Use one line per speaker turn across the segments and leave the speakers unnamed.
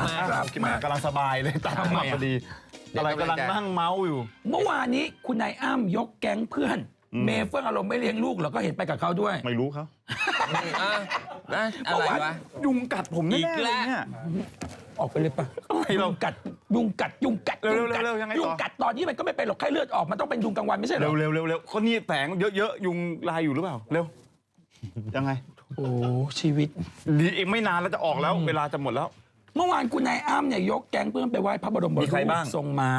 กำลังสบายเลยตามมาพอดีอะไรกำลังนั่งเมาส์อยู่
เมื่อวานนี้คุณนายอ้ำยกแก๊งเพื่อนเมย์เฟื่องอารมณ์ไม่เลี้ยงลูกเราก็เห็นไปกับเขาด้วย
ไม่รู้เขา
อะไรวะ
ยุงกัดผมแน่เลยเนี่ย
ออกไปเลยปะยุงกัดยุงกัดยุงกัดตอนนี้มันก็ไม่เป็นหรอกไข้เลือดออกมันต้องเป็นยุงกลางวันไม่ใช่หรอ
เร็วก็นี่แสงเยอะๆยุงลายอยู่หรือเปล่าเร็วยังไง
โอ้ชีวิต
ดีอีกไม่นานแล้วจะออกแล้วเวลาจะหมดแล้ว
เมื่อวานคุณนายอ้ำเนี่ยยกแก๊งเพื่อนไปไหว้พระบรมรูปทรงม้า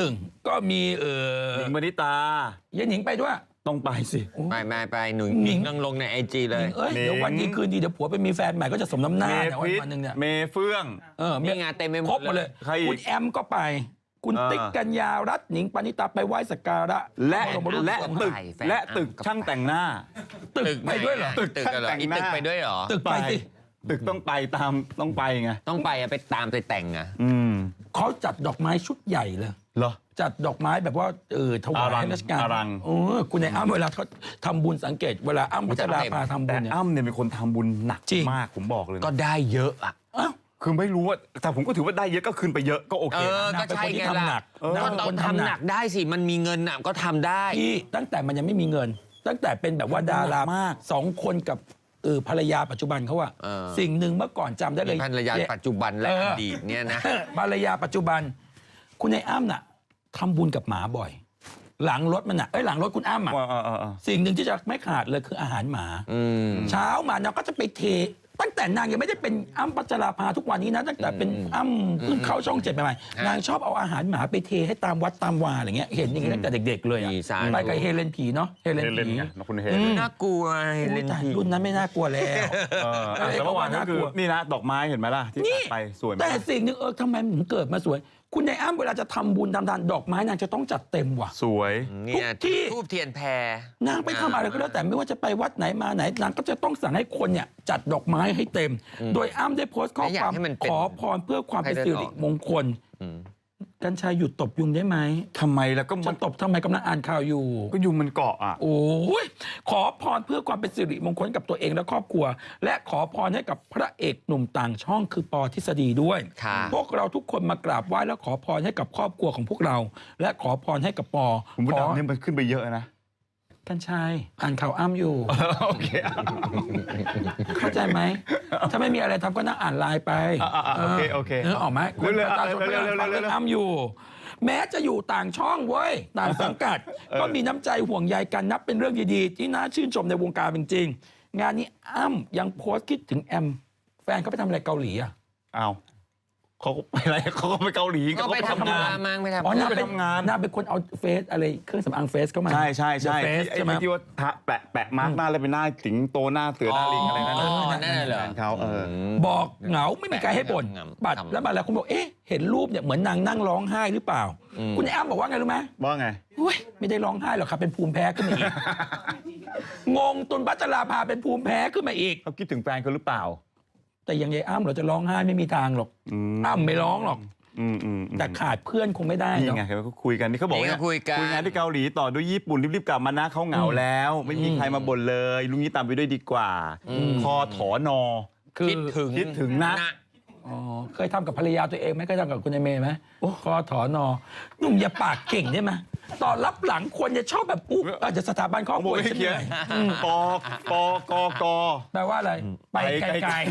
1ก็มี
หญิงมณิตา
เย็นหญิงไปด้วย
ต้องไปสิ
ไม่ไปหนุ่ยนั่งลงในIGเลย
เดี๋ยววันนี้คืนดีเดี๋ยวผัวไปมีแฟนใหม่ก็จะสมน้ำหน้าเนี่ยวันนึงเนี่ย
เมเฟื่อง
มีงานเต็มไปหมด
เลยคุณแอมก็ไปคุณติ๊กกัญญารัตน์หนิงปณิตาไปไหว้สักการะ
และตึกช่างแต่งหน้า
ตึกไปด้วยเหรอ
ตึกไปด้วยเหรอ
ตึกไปสิ
ตึกต้องไปต้องไปไง
ต้องไปไปตามไปแต่งอ่ะ
เขาจัดดอกไม้ชุดใหญ่เลย
เหรอ
จัดดอกไม้แบบว่าถวายให้ราชการคุณในอ้ำเวลาเขาทำบุญสังเกตเวลาอ้ำพัชราภาทำบุญเนี่ย
อ้ำเนี่ยเป็นคนทำบุญหนักมากผมบอกเลย
ก็ได้เยอะอ่ะ
คือไม่รู้ว่าแต่ผมก็ถือว่าได้เยอะก็คืนไปเยอะก็โอเค
ก็ใช่ไงล่ะคนทำหนักได้สิมันมีเงินน่ะก็ทำได้
ที่ตั้งแต่มันยังไม่มีเงินตั้งแต่เป็นแบบว่าดารามาก2 คนกับภรรยาปัจจุบันเขาอะสิ่งหนึ่งเมื่อก่อนจำได้เลย
ภรรยาปัจจุบันและอดีตเนี่ยนะ
ภรรยาปัจจุบันคุณนายอ้ำน่ะทำบุญกับหมาบ่อยหลังรถมันน่ะหลังรถคุณอ้ำอะสิ่งหนึ่งที่จะไม่ขาดเลยคืออาหารหมาเช้ามานางก็จะไปเทตั้งแต่นางยังไม่ได้เป็นอ้ำพัชราภาทุกวันนี้นะตั้งแต่เป็นอ้ำเพิ่งเข้าช่อง7ใหม่ๆนางชอบเอาอาหารหมาไปเทให้ตามวัดตามวาอะไรเงี้ยเห็นอย่างนี้ตั้งแต่เด็กๆเลยอะไปกับเฮเลนผีเนาะเฮเลนผี
คุณเฮ
เลนน่ากลัวเฮเลนผี
รุ่นนั้นไม่น่ากลัวแล้ว
แต่เมื่อวานก็คือนี่นะดอกไม้เห็นไหมล่ะที่ไปสวย
แต่สิ่งหนึ่งทำไมถึงเกิดมาสวยคุณนายอ้ำเวลาจะทำบุญทำทานดอกไม้นางจะต้องจัดเต็มว่ะ
สวย
ทุกที่ทูบเทียนแพร
นางไปทำอะไรก็แล้วแต่ไม่ว่าจะไปวัดไหนมาไหนนางก็จะต้องสั่งให้คนเนี่ยจัดดอกไม้ให้เต็มโดยอ้ำได้โพสต์ข้อความขอพรเพื่อความเป็นสิริมงคลกัญชัยหยุดตบยุงได้ไหม
ทำไมแล้วก็
มันตบทำไมกำลังอ่านข่าวอยู่
ก็ยุงมันเกาะอ่ะ
โอ้ยขอพรเพื่อความเป็นสิริมงคลกับตัวเองและครอบครัวและขอพรให้กับพระเอกหนุ่มต่างช่องคือปอทฤษฎีด้วยพวกเราทุกคนมากราบไหว้และขอพรให้กับครอบครัวของพวกเราและขอพรให้กับปอ
ผมว่าดาวนี่มันขึ้นไปเยอะนะ
กัญชัยอ่านข่าวอ้ำอยู่
โอเค
เข้าใจไหมถ้าไม่มีอะไรทำก็นั่งอ่านไลน์ไป
โอเค
เนื้อออกไหมคนประชาชนก็ยังฟังเรื่องอ้ำอยู่แม้จะอยู่ต่างช่องเว้ยต่างสังกัดก็มีน้ำใจห่วงใยกันนับเป็นเรื่องดีๆที่น่าชื่นชมในวงการจริงๆงานนี้อ้ำยังโพสต์คิดถึงแอมแฟนเขาไปทำอะไรเกาหลีอ่ะ
อ้าวเขาไปอะไรเขาก็ไปเกาหลี
ก็ไปทำงานมั้งไปทำ
น่าเป็นคนเอาเฟซอะไรเครื่องสำอางเฟซเข้ามา
ใช่ไอ้ที่ว่าแปะมาร์กหน้าแล้วเป็นหน้าสิงโตหน้าเสือหน้าลิงอะไรนั่น
เหรอ
เขา
บอกเหงาไม่มีใครให้บ่นบัตรแล้วมาแล้วคุณบอกเห็นรูปเนี่ยเหมือนนางนั่งร้องไห้หรือเปล่าคุณอ้ำบอกว่าไงรู้ไหม
ว่าไง
ไม่ได้ร้องไห้หรอกครับเป็นภูมิแพ้ขึ้นมาอีกงงตุนพัชราภาเป็นภูมิแพ้ขึ้นมาอีก
เขาคิดถึงแฟนเขาหรือเปล่า
แต่ยังไงอ้ำเราจะร้องไห้ไม่มีทางหรอกอ้ำไม่ร้องหรอกแต่ขาดเพื่อนคงไม่ได้
นี่ไงเขาคุยกันนี่เขาบอกว่าคุยงานที่เกาหลีต่อด้วยญี่ปุ่นรีบๆกลับมานะเขาเหงาแล้วไม่มีใครมาบ่นเลยลุงนี้ตามไปด้วยดีกว่าคอถอนอ
คิดถึงนะ
เคยทำกับภรรยาตัวเองไหมเคยทำกับคุณเมย์ไหมคอถอนอหนุ่มอย่าปากเก่งได้ไหมตอนรับหลังคนจะชอบแบบอุ๊บอาจจะสถาบันครอบครัวเขียน
ปก
แปลว่าอะไรไปไกล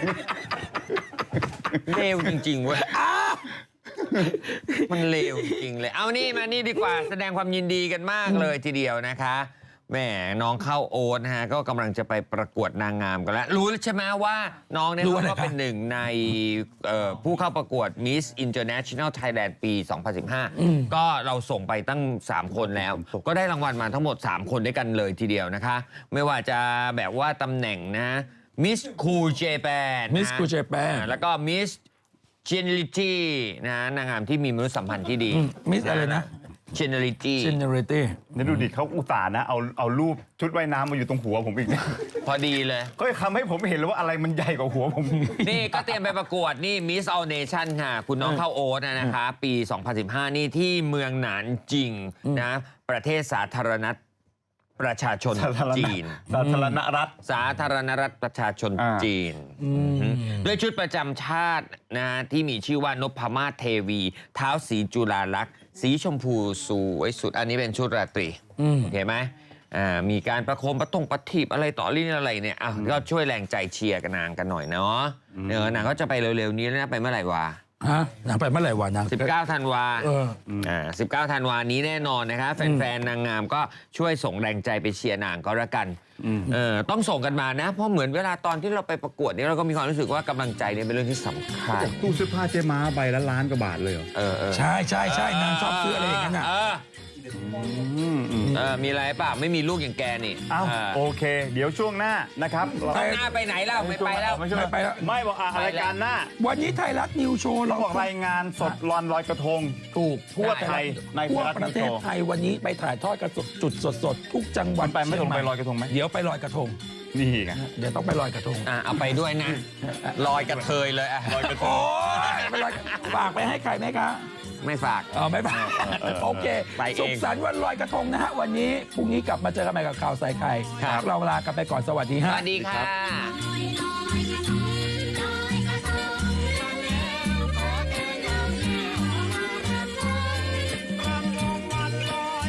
เลวจริงๆเว้ยมันเลวจริงเลยเอานี่มานี่ดีกว่าแสดงความยินดีกันมากเลยทีเดียวนะคะแม่น้องเข้าโอ๊ตนะฮะก็กำลังจะไปประกวดนางงามกันแล้วรู้ใช่ไหมว่าน้องเนี่ยก็เป็นหนึ่งในผู้เข้าประกวด Miss International Thailand ปี 2015ก็เราส่งไปตั้ง3คนแล้วก็ได้รางวัลมาทั้งหมด3คนด้วยกันเลยทีเดียวนะคะไม่ว่าจะแบบว่าตำแหน่งนะ Miss Cool Japan
Miss Cool Japan
แล้วก็ Miss Geniality นะนางงามที่มีมนุษยสัมพันธ์ที่ดี
Miss อะไรนะ
Generality
นี่ดูดิเขาอุตส่าห์นะเอารูปชุดว่ายน้ำมาอยู่ตรงหัวผมอีก
พอดีเลย
ก็ทำให้ผมเห็นเลยว่าอะไรมันใหญ่กว่าหัวผม
นี่ก็เตรียมไปประกวดนี่ Miss All Nation ค่ะคุณน้องเข้าโอ๊ตนะคะปี 2015 นี่ที่เมืองหนานจิงนะประเทศสาธารณรัฐประชาชนจีน
สาธารณรัฐ
สาธารณรัฐประชาชนจีนด้วยชุดประจำชาตินะที่มีชื่อว่านพมาศเทวีเท้าสีจุฬาลักษณ์สีชมพูสวยสุดอันนี้เป็นชุดราตรีเห็นไหมมีการประโคมประทีปอะไรต่อรี่อะไรเนี่ยก็ช่วยแรงใจเชียร์กันนางกันหน่อยเนาะนางก็จะไปเร็วๆนี้แล้วนะไปเมื่อไหร่วะ
นางไปเมื่อไหร่วะนาง
19 ธันวา19 ธันวานี้แน่นอนนะคะแฟนๆนางงามก็ช่วยส่งแรงใจไปเชียร์นางก็แล้วกันต้องส่งกันมานะเพราะเหมือนเวลาตอนที่เราไปประกวดนี่เราก็มีความรู้สึกว่ากำลังใจเนี่ยเป็นเรื่องที่สำคัญ
ตู้เสื้อผ้าเจ๊ม้าใบละล้านกว่าบาทเลยเหรอ
ใช่ใช่ใช่นางชอบซื้ออะไรอย่างนั้นอ่ะ
มีอะไรป่ะไม่มีลูกอย่างแกนี่
โอเค เดี๋ยวช่วงหน้านะครับ
หน้าไปไหนแล้วไม่ไปแล้ว
ไม่ไปแล้วไม่บอกรายการหน้า
วันนี้ไทยรัฐนิวโชว์
เราบอกรายงานสดลอยกระทง
ถูก
ทั่วไทยใน
ทั่วประเทศไทยวันนี้ไปถ่ายทอดกระจุดสดทุกจังหวัด
ไปไม่ต้องไปลอยกระทงไหม
เดี๋ยวไปลอยกระทง
นี่ไง
เดี๋ยวต้องไปลอยกระทง
เอาไปด้วยนะลอยกระเทยเลย
ลอยกระทง
ไปลอยฝากไปให้ใครไหมคะ
ไม่ฝาก
ไม่ฝากโอเคสุขสันต์วันลอยกระทงนะฮะวันนี้พรุ่งนี้กลับมาเจอกันใหม่กับข่าวใส่ไข่เราลากันไปก่อนสวัสดีฮะ
สวัสดีค่ะ